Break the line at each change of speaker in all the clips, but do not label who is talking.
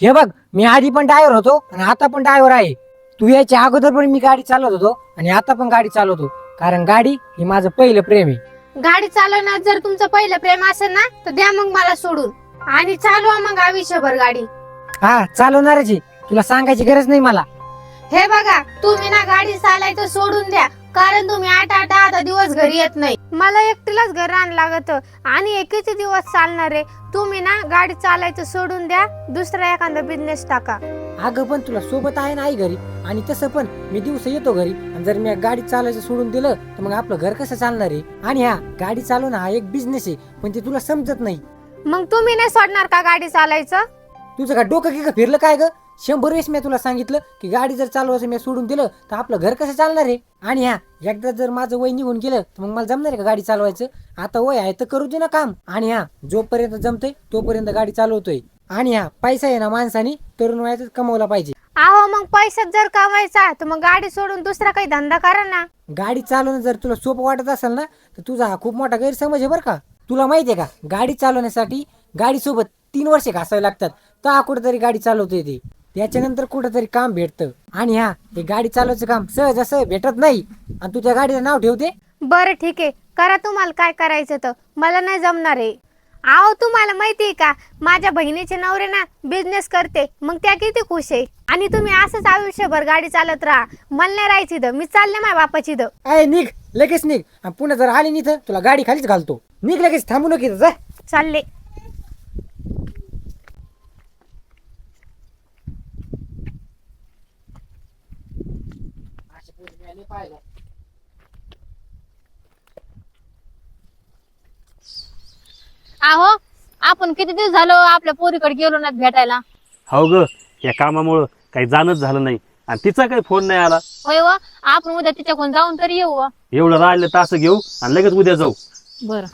हे बघ, मी आधी पण ड्रायव्हर होतो आणि आता पण ड्रायव्हर आहे. तू याच्या अगोदर पण मी गाडी चालवत होतो आणि आता पण गाडी चालवतो, कारण गाडी ही माझं पहिलं प्रेम आहे.
गाडी चालवण्यात जर तुमचं पहिलं प्रेम असेल ना तर द्या मग मला सोडून आणि चालवा मग आयुष्यभर गाडी.
हा, चालवणारच आहे, तुला सांगायची गरज नाही मला.
हे बघा, तुम्ही ना गाडी चालायचं सोडून द्या, कारण तुम्ही 8-8 दिवस घरी येत नाही. मला एकटीलाच घर आणायला लागत आणि एकीचे दिवस चालणार आहे. तुम्ही ना गाडी चालायचं सोडून द्या, दुसरा एखादा बिझनेस टाका.
अगं पण तुला सोबत आहे ना आई घरी, आणि तसं पण मी दिवस येतो घरी, आणि जर मी गाडी चालायचं सोडून दिलं तर मग आपलं घर कसं चालणार आहे? आणि हा गाडी चालवणं हा एक बिझनेस आहे, पण ते तुला समजत नाही.
मग तुम्ही नाही सोडणार का गाडी चालायचं?
तुझं का डोकं की फिरलं काय ग? 100 वेळेस मी तुला सांगितलं की गाडी जर चालवायचं मी सोडून दिलं तर आपलं घर कसं चालणार आहे? आणि हा एकदा जर माझं वय निघून गेलं तर मग मला जमणार आहे का गाडी चालवायचं? आता वय आहे तर करू दे ना काम. आणि हा जोपर्यंत जमतंय तोपर्यंत गाडी चालवतोय. आणि हा पैसा आहे ना माणसाने तरुण वयातच कमवला पाहिजे.
आहो, मग पैशात जर कमायचा तर मग गाडी सोडून दुसरा काही धंदा करा ना.
गाडी चालवणं जर तुला सोपं वाटत असेल ना तर तुझा हा खूप मोठा गैरसमज आहे बरं का. तुला माहितीये का, गाडी चालवण्यासाठी गाडीसोबत 3 वर्षे घासावे लागतात, तर कुठेतरी गाडी चालवता येते. त्याच्यानंतर कुठेतरी काम भेटतं. आणि हा हे गाडी चालवायचं काम सहज असं भेटत नाही, आणि तू त्या गाडीचं नाव ठेवते.
बरं ठीक आहे, करा तुम्हाला काय करायचं तर, मला नाही जमणार आहे. आहो, तुम्हाला माहिती आहे का, माझ्या बहिणीचे नवरे ना बिझनेस करते, मग त्या किती खुश आहे. आणि तुम्ही असंच आयुष्यभर गाडी चालत राहा, मला नाही राहायची इथं, मी चालले माझ्या बापाची इथं.
अय निघ, लगेच निघ, आणि पुन्हा जर आली नाही तर तुला गाडी खालीच घालतो. निघ लगेच, थांबू नको जा.
चालले.
आहो, आपण किती दिवस झालो आपल्या पोरीकडे गेलो ना भेटायला.
हो ग, या कामामुळं काही जाणच झालं नाही, आणि तिचा काही फोन नाही आला.
होय व, आपण उद्या तिच्याकडून जाऊन तरी येऊ व.
एवढं राहिलं तास घेऊ आणि लगेच उद्या जाऊ.
बर.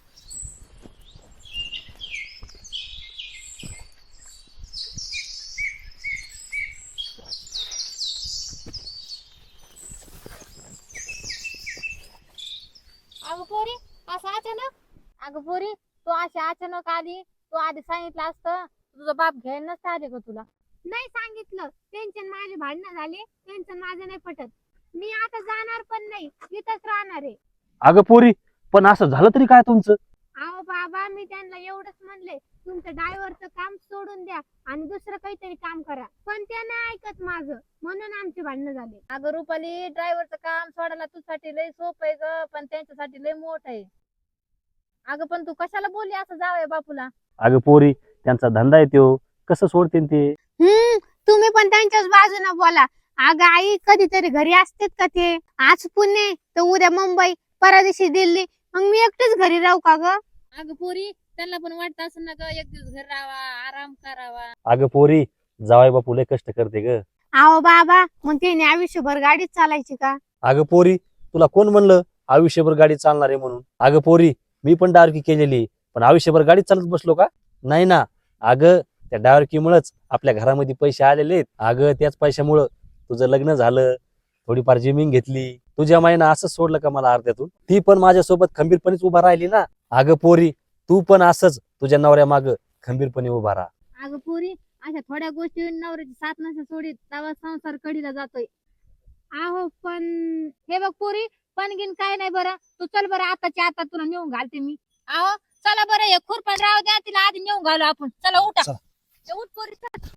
अगं पोरी, असं अचानक? अगं पोरी, तू अशी अचानक आली, तू आधी सांगितलं असतं, तुझा बाप घ्यायला नसतं आले का तुला?
नाही सांगितलं, टेन्शन माझे भांडणं झाले, टेन्शन माझं नाही पटत. मी आता जाणार पण नाही, इथंच राहणार आहे.
अगं पोरी, पण असं झालं तरी काय तुमचं?
अहो बाबा, मी त्यांना एवढंच म्हणले, तुमचं ड्रायव्हरचं काम सोडून द्या आणि दुसरं काहीतरी काम करा, पण त्या नाही ऐकत माझं, म्हणून आमचे भांडणं झाले.
अगं रुपाली, ड्रायव्हरचं काम सोडायला तुझ्यासाठी लय सोपं आहे ग, पण त्यांच्यासाठी लय मोठं आहे. अगं पण तू कशाला बोलली असं जावंय बापूला?
अगं पोरी, त्यांचा धंदा आहे त्यो, कसं सोडतील ते?
तुम्ही पण त्यांच्याच बाजूने बोला. अगं आई, कधीतरी घरी असतेत का ते? आज पुणे तर उद्या मुंबई, परवा दिवशी दिल्ली, मग मी एकटीच घरी राहू का ग?
अगं पोरी, त्यांना पण वाटत असं ना ग, एक दिवस घर राहावा, आराम करावा.
अगं पोरी, जावाय बापू लय कष्ट करते ग.
अहो बाबा, मग तिने आयुष्यभर गाडीच चालायची का?
अगं पोरी, तुला कोण म्हणलं आयुष्यभर गाडी चालणार आहे म्हणून? अगं पोरी, मी पण डारकी केलेली, पण आयुष्यभर गाडी चालत बसलो का? नाही ना. अगं त्या डारकीमुळेच आपल्या घरामध्ये पैसे आलेले आहेत. अगं त्याच पैशामुळं तुझं लग्न झालं, थोडीफार जमीन घेतली. तुझ्या माईनं असंच सोडलं का मला अर्ध्यातून? ती पण माझ्यासोबत खंबीरपणेच उभा राहिली ना. अगं पोरी, तू पण असंच तुझ्या नवऱ्या माग खंबीरपणे उभा राहा.
अगं पोरी, अशा थोड्या गोष्टी नवऱ्याची साथ नसे सोडीत, तेव्हा संसार कडीला जातोय.
अहो पण
हे बघ पोरी, पण गिन काय नाही बरं, तू चल बरं, आताच्या आता तुला नेऊन घालते मी. आहो चला बरं, हे खुरपण राहू द्या, तिला आधी नेऊन घालू आपण. चला उठा. उठ पोरी, चल.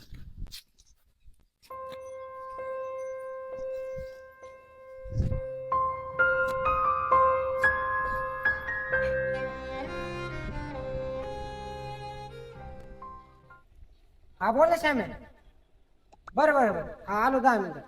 हा बोल ना श्याम्या. बरं बरं बरं, हा आलो 10 मिनिटं.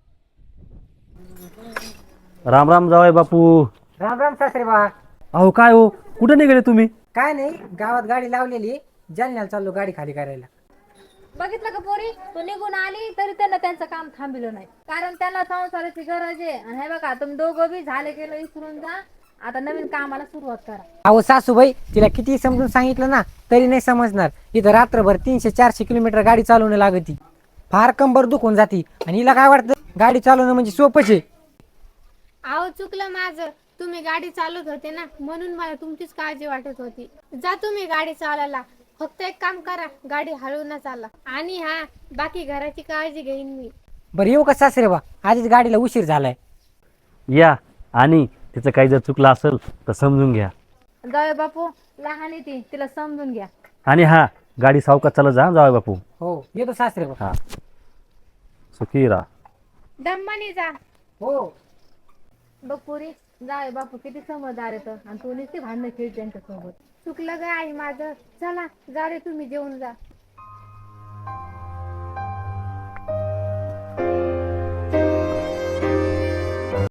राम राम जावाय बापू.
राम राम सासरे बा.
अहो काय हो, कुठे निघाले तुम्ही?
काय नाही, गावात गाडी लावलेली, जालन्याला चाललो गाडी खाली करायला.
बघितलं का पोरी, तू निघून आली तरी त्यांना त्यांचं काम थांबलं नाही, कारण त्यांना संसाराची गरज आहे. आणि हे बघा, तुम्ही दोघं बी झाले गेलं विसरून जा, आता नवीन कामाला सुरुवात करा.
अहो सासूबाई, तिला किती समजून सांगितलं ना तरी नाही समजणार. इथं रात्रभर 300-400 किलोमीटर गाडी चालवणं लागती, फार कंबर दुखून जाती, आणि हिला काय वाटतं गाडी चालवणं म्हणजे सोपंच आहे.
अहो चुकलं माझं, तुम्ही गाडी चालवत होते ना, म्हणून मला तुमचीच काळजी वाटत होती. जा तुम्ही गाडी चालवायला, फक्त एक काम करा, गाडी हळू न चाला. आणि हा, बाकी घराची काळजी घेईन मी.
बरं येऊ का सासरे बा, आधीच गाडीला उशीर झालाय.
या. आणि तिचं काही जर चुकलं असेल तर समजून घ्या.
जाऊया बापू, लहान आहे ती, तिला समजून घ्या.
आणि हा, गाडी सावकाश चालत जा जाऊ बापू.
हो येतो सासरे बा.
हा, सुखी राहा.
दम्मानी जा.
हो.
बघ पोरी, जाऊया बापू किती समजदार येतं आणि तू नुसती भांडणं खेळ त्यांच्यासोबत.
चुकलं ग आई माझं. चला जा रे, तुम्ही जेवून जा.